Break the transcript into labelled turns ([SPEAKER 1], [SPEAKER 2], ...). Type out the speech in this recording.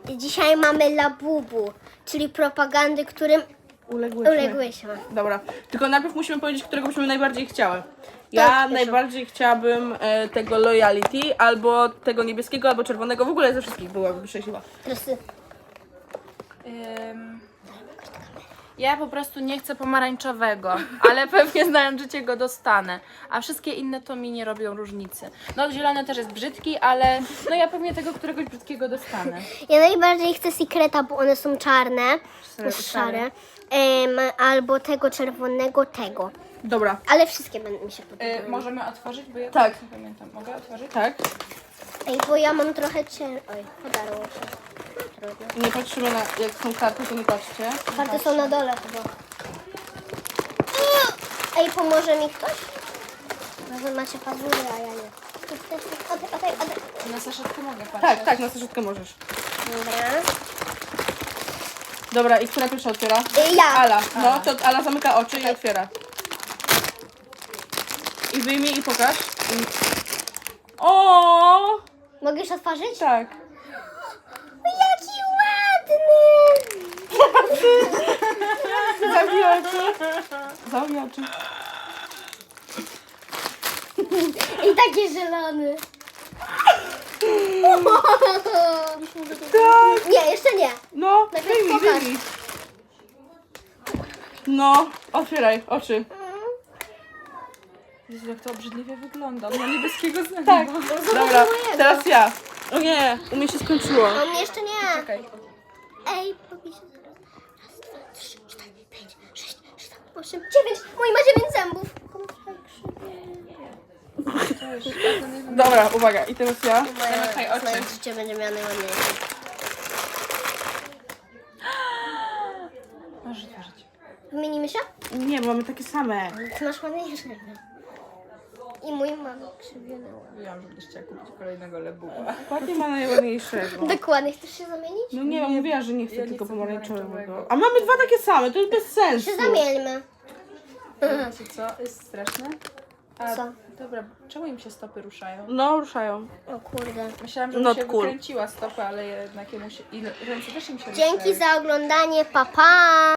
[SPEAKER 1] Dzisiaj mamy Labubu, czyli propagandy, którym uległyśmy.
[SPEAKER 2] Dobra, tylko najpierw musimy powiedzieć, którego byśmy najbardziej chciały. Ja najbardziej chciałabym tego Loyalty, albo tego niebieskiego, albo czerwonego. W ogóle ze wszystkich byłabym szczęśliwa.
[SPEAKER 1] Teraz ty.
[SPEAKER 3] Ja po prostu nie chcę pomarańczowego, ale pewnie znając życie go dostanę. A wszystkie inne to mi nie robią różnicy. No zielony też jest brzydki, ale no ja pewnie tego któregoś brzydkiego dostanę.
[SPEAKER 1] Ja najbardziej chcę Secreta, bo one są czarne, szare. Albo tego czerwonego, tego.
[SPEAKER 2] Dobra.
[SPEAKER 1] Ale wszystkie będą mi się podobały.
[SPEAKER 3] Możemy otworzyć, bo ja
[SPEAKER 2] Tak.
[SPEAKER 3] nie pamiętam. Mogę otworzyć?
[SPEAKER 2] Tak.
[SPEAKER 1] Ej, bo ja mam trochę Oj, podarło się. Trudno.
[SPEAKER 2] Nie patrzymy na, jak są karty, to nie patrzcie.
[SPEAKER 1] Karty są na dole chyba. Ej, pomoże mi ktoś? Może macie pazury, a ja nie.
[SPEAKER 3] Na saszetkę mogę patrzeć.
[SPEAKER 2] Tak, tak, na saszetkę możesz.
[SPEAKER 1] Dobra.
[SPEAKER 2] Dobra, i która pierwsza otwiera?
[SPEAKER 1] Ja.
[SPEAKER 2] Ala. No, to Ala zamyka oczy i otwiera. I wyjmij i pokaż. O!
[SPEAKER 1] Mogę już otworzyć?
[SPEAKER 2] Tak.
[SPEAKER 1] Jaki ładny!
[SPEAKER 2] Zamknij oczy. Zamknij oczy.
[SPEAKER 1] I taki zielony.
[SPEAKER 2] Tak.
[SPEAKER 1] Nie, jeszcze nie.
[SPEAKER 2] No,
[SPEAKER 1] Najpierw
[SPEAKER 2] wyjmij,
[SPEAKER 1] pokaż.
[SPEAKER 2] wyjmij. No, otwieraj oczy.
[SPEAKER 3] Jezu, jak to obrzydliwie wygląda. Ma niebieskiego zęba.
[SPEAKER 2] Tak. Dobra,
[SPEAKER 1] mojego.
[SPEAKER 2] teraz ja. O nie, u mnie się skończyło.
[SPEAKER 1] A mnie jeszcze nie.
[SPEAKER 3] Czekaj.
[SPEAKER 1] Ej, powiedz. Raz, dwa, trzy, 4, 5, 6, 7, 8, 9. Mój ma 9 zębów.
[SPEAKER 2] Dobra, uwaga, i teraz ja.
[SPEAKER 3] Zamykaj oczy.
[SPEAKER 1] Moje życie będzie miało najładniejsze.
[SPEAKER 3] Możesz otworzyć.
[SPEAKER 1] Wymienimy się?
[SPEAKER 2] Nie, bo mamy takie same.
[SPEAKER 1] Ty masz ładniejsze. I mój ma krzywione.
[SPEAKER 3] Mówiłam, że będziesz chciała kupić kolejnego lebuła.
[SPEAKER 2] Ładnie ma najładniejszego.
[SPEAKER 1] Dokładnie, chcesz się zamienić?
[SPEAKER 2] No nie, mówiła, że nie chce
[SPEAKER 3] ja nie
[SPEAKER 2] tylko
[SPEAKER 3] chcę
[SPEAKER 2] pomarańczowego.
[SPEAKER 3] pomarańczowego.
[SPEAKER 2] A mamy dwa takie same, to jest bez sensu.
[SPEAKER 1] Się zamieńmy.
[SPEAKER 3] Wiecie co? Jest straszne. A,
[SPEAKER 1] Co?
[SPEAKER 3] Dobra, czemu im się stopy ruszają?
[SPEAKER 2] No, ruszają.
[SPEAKER 1] O kurde.
[SPEAKER 3] Myślałam, że
[SPEAKER 2] Not
[SPEAKER 3] mu się
[SPEAKER 2] cool.
[SPEAKER 3] wykręciła stopa, ale jednak jemu się... I ręce też im się
[SPEAKER 1] Dzięki
[SPEAKER 3] ruszają.
[SPEAKER 1] za oglądanie. Pa, pa!